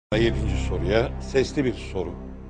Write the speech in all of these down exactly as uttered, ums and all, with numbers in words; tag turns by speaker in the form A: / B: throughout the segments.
A: Yedinci soruya sesli bir soru.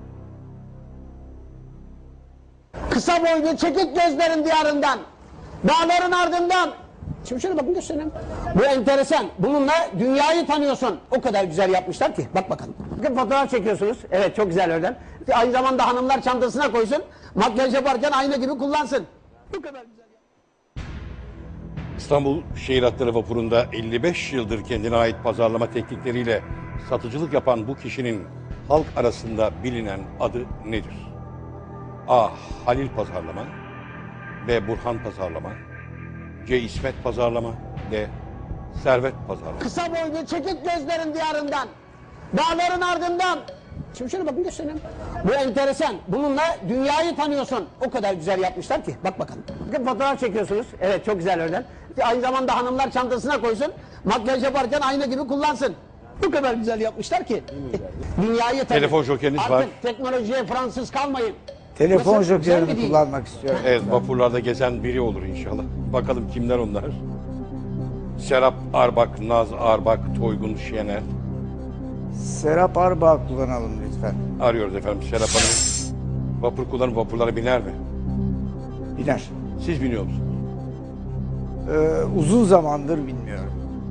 B: Kısa boylu çekik gözlerin diyarından, dağların ardından. Şimdi şöyle bakın göstereyim. Bu enteresan. Bununla dünyayı tanıyorsun. O kadar güzel yapmışlar ki. Bak bakalım. Bakın fotoğraf çekiyorsunuz. Evet çok güzel oradan. Aynı zamanda hanımlar çantasına koysun. Makyaj yaparken ayna gibi kullansın. Bu kadar güzel.
A: İstanbul Şehir Hatları Vapuru'nda elli beş yıldır kendine ait pazarlama teknikleriyle satıcılık yapan bu kişinin halk arasında bilinen adı nedir? A. Halil Pazarlama, B. Burhan Pazarlama, C. İsmet Pazarlama, D. Servet Pazarlama.
B: Kısa boylu çekik gözlerin diyarından, dağların ardından. Şimdi şöyle bakın göstereyim. Bu enteresan. Bununla dünyayı tanıyorsun. O kadar güzel yapmışlar ki. Bak bakalım. Bakın fotoğraf çekiyorsunuz. Evet çok güzel oradan. Aynı zamanda hanımlar çantasına koysun. Makyaj yaparken ayna gibi kullansın. Bu kadar güzel yapmışlar ki. Dünyayı tanıyor.
A: Telefon jokeriniz
B: Artık
A: var.
B: Artık teknolojiye Fransız kalmayın.
C: Telefon
B: Nasıl? Güzel
C: jokerini
B: mi değil?
C: kullanmak istiyorum.
A: Evet, vapurlarda gezen biri olur inşallah. Bakalım kimler onlar? Serap Arbak, Naz Arbak, Toygun Şener.
C: Serap Arbağ kullanalım lütfen.
A: Arıyoruz efendim Serap Hanım. Vapur kullanıp vapurlara biner mi?
C: Biner.
A: Siz biniyor musunuz?
C: Ee, uzun zamandır bilmiyorum.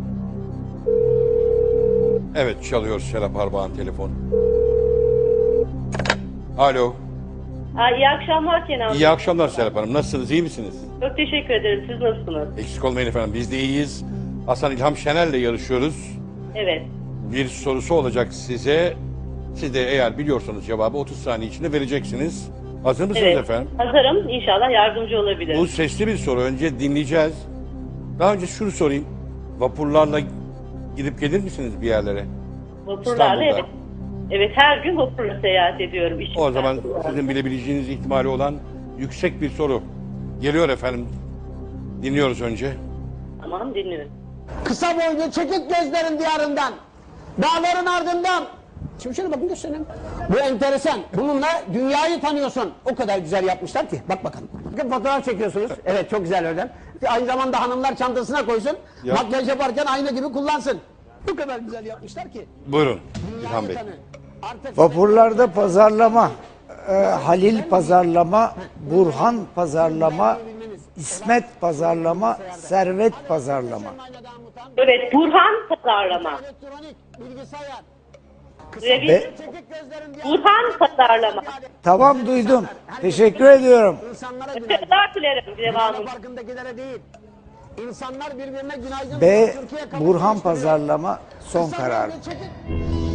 A: Evet, çalıyor Serap Arbak'ın telefonu. Alo.
D: Aa, iyi akşamlar Kenan Bey.
A: İyi akşamlar Serap Hanım. Nasılsınız? İyi misiniz?
D: Çok teşekkür ederim. Siz nasılsınız?
A: Eksik olmayın efendim. Biz de iyiyiz. Hasan İlham Şener'le yarışıyoruz.
D: Evet.
A: Bir sorusu olacak size. Siz de eğer biliyorsanız cevabı otuz saniye içinde vereceksiniz. Hazır mısınız
D: Evet.
A: efendim?
D: Hazırım. İnşallah yardımcı olabilirim.
A: Bu sesli bir soru. Önce dinleyeceğiz. Daha önce şunu sorayım. Vapurlarla gidip gelir misiniz bir yerlere?
D: Vapurlarla
A: İstanbul'da.
D: evet. Evet her gün vapurla seyahat ediyorum. İşim
A: O zaman
D: var.
A: sizin bilebileceğiniz ihtimali olan yüksek bir soru. Geliyor efendim. Dinliyoruz önce.
D: Tamam dinliyorum.
B: Kısa boylu çekik gözlerin diyarından, dağların ardından. Şimdi şöyle bakın göstereyim. Bu enteresan. Bununla dünyayı tanıyorsun. O kadar güzel yapmışlar ki. Bak bakalım. Bakın fotoğraf çekiyorsunuz. Evet çok güzel oradan. Aynı zamanda hanımlar çantasına koysun.
A: Ya.
B: Makyaj yaparken ayna gibi kullansın. Bu kadar güzel yapmışlar ki.
A: Buyurun
B: Dünyayı
A: İlhan Bey.
B: tanı. Artık
C: Vapurlarda pazarlama, e, Halil pazarlama, Burhan pazarlama, İsmet pazarlama, Servet pazarlama.
D: Evet Burhan Pazarlama.
B: elektronik, bilgisayar.
D: Duyabildin
C: Ve-
D: mi?
B: Çekik gözlerin diyarından.
D: Burhan Pazarlama.
C: Tamam duydum. Teşekkür ediyorum.
B: İnsanlara günaydın.
D: Teşekkürler dilerim devamı.
B: Dünya farkındakilere değil. İnsanlar birbirine günaydın.
C: B.
B: Türkiye kabul
C: Burhan
B: etmiş.
C: pazarlama son
B: Kısa
C: karar.
B: boylu çekik-